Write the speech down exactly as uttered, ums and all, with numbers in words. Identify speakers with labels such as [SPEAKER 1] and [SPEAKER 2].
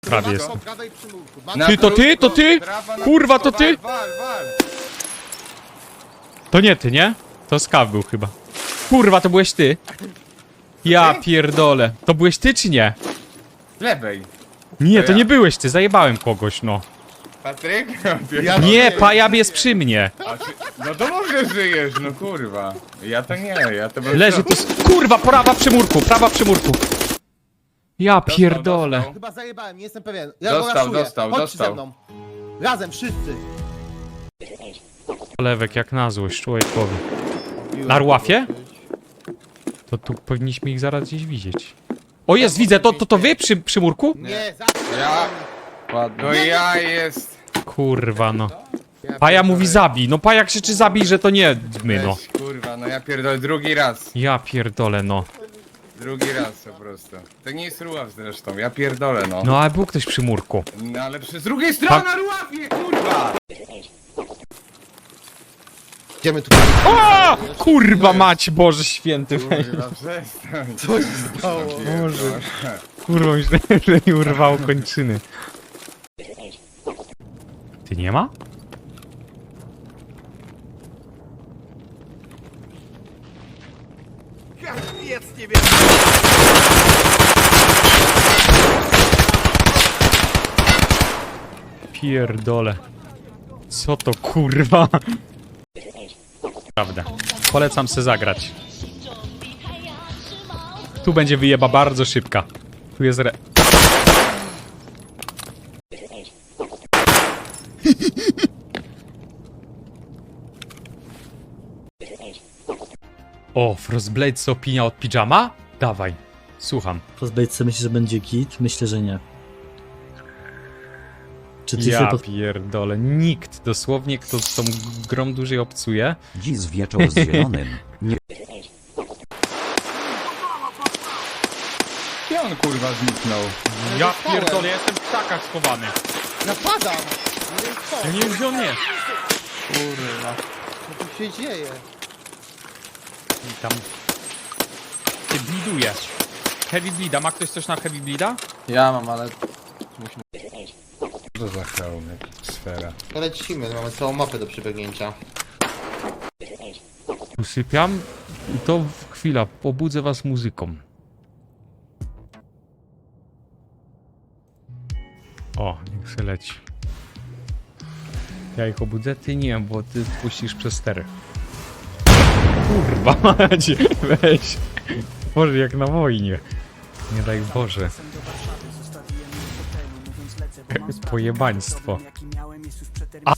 [SPEAKER 1] prawie jest.
[SPEAKER 2] Po prawej przymurku.
[SPEAKER 3] Na
[SPEAKER 1] Ty, to ty,
[SPEAKER 3] krótko,
[SPEAKER 1] to ty?
[SPEAKER 3] trawa na
[SPEAKER 1] Kurwa,
[SPEAKER 3] krótko,
[SPEAKER 1] to ty?
[SPEAKER 3] Wal, wal, wal.
[SPEAKER 1] To nie ty, nie? To Skaw był chyba. Kurwa, to byłeś ty. Ja pierdolę. To byłeś ty czy nie?
[SPEAKER 3] Z lewej.
[SPEAKER 1] Nie,
[SPEAKER 3] To
[SPEAKER 1] to
[SPEAKER 3] ja.
[SPEAKER 1] nie byłeś ty, zajebałem kogoś, no.
[SPEAKER 3] Patryk?
[SPEAKER 2] Ja-
[SPEAKER 1] Nie, pajab jest przy mnie.
[SPEAKER 3] A ty, no to może żyjesz, no kurwa. Ja to nie, ja to bym...
[SPEAKER 1] Leży tu... s- Kurwa, prawa przy murku, prawa przy murku. Ja pierdolę.
[SPEAKER 3] dostał.
[SPEAKER 2] Chyba zajebałem, nie jestem pewien. Ja
[SPEAKER 3] Dostał,
[SPEAKER 2] go raszuję.
[SPEAKER 3] dostał,
[SPEAKER 2] Chodźcie
[SPEAKER 3] dostał.
[SPEAKER 2] ze mną. Razem, wszyscy.
[SPEAKER 1] Lewek jak na złość człowiekowi. Na Ruafie? To tu powinniśmy ich zaraz gdzieś widzieć. O jest, widzę, to to, to wy przy, przy murku?
[SPEAKER 2] Nie, za...
[SPEAKER 3] Ja... No ja jest...
[SPEAKER 1] Kurwa, no. Paja mówi zabij, no Paja krzyczy zabij, że to nie my, no.
[SPEAKER 3] Weź, kurwa, no ja pierdolę drugi raz.
[SPEAKER 1] Ja pierdolę, no.
[SPEAKER 3] Drugi raz po prostu. To nie jest Ruław zresztą, ja pierdolę, no.
[SPEAKER 1] No ale był ktoś przy murku.
[SPEAKER 3] No ale przy z drugiej strony
[SPEAKER 1] Pa-
[SPEAKER 3] na Ruławie, kurwa!
[SPEAKER 2] Idziemy tu.
[SPEAKER 1] O! Kurwa mać, Boże święty.
[SPEAKER 3] Kurwa, przestań.
[SPEAKER 2] Co się stało?
[SPEAKER 3] Boże.
[SPEAKER 1] Kurwa, myślałem, że mi urwało kończyny. Ty nie ma? Pierdole. Co to kurwa? Prawda. Polecam se zagrać. Tu będzie wyjeba bardzo szybka. Tu jest re... O, Frostblade, co opinia od pijama? Dawaj, słucham.
[SPEAKER 4] Frostbite myślisz, że będzie git? Myślę, że nie. Czy ty
[SPEAKER 1] Ja
[SPEAKER 4] sobie pod...
[SPEAKER 1] pierdolę, nikt dosłownie, kto z tą grą dłużej obcuje.
[SPEAKER 5] Dziś zwieczał z zielonym. Nie
[SPEAKER 3] Gdzie on kurwa zniknął?
[SPEAKER 1] Ja
[SPEAKER 2] dostałem.
[SPEAKER 1] pierdolę, ja jestem w krzakach schowany.
[SPEAKER 2] Napadam. Nie wiem co.
[SPEAKER 1] Ja nie wiem, gdzie on jest.
[SPEAKER 3] Kurwa.
[SPEAKER 2] Co tu się dzieje?
[SPEAKER 1] I tam... Ty bliduje. Heavy bleeda, ma ktoś coś na heavy bleeda?
[SPEAKER 6] Ja mam, ale
[SPEAKER 3] Co za hełmek, sfera.
[SPEAKER 2] To lecimy, mamy całą mapę do przebiegnięcia.
[SPEAKER 1] Usypiam i to w- chwila, pobudzę was muzyką. O, niech się leci. Ja ich obudzę? Ty nie, bo ty puścisz przez stery. Kurwa macie, weź. Boże, jak na wojnie. Nie daj Boże. Pojebaństwo.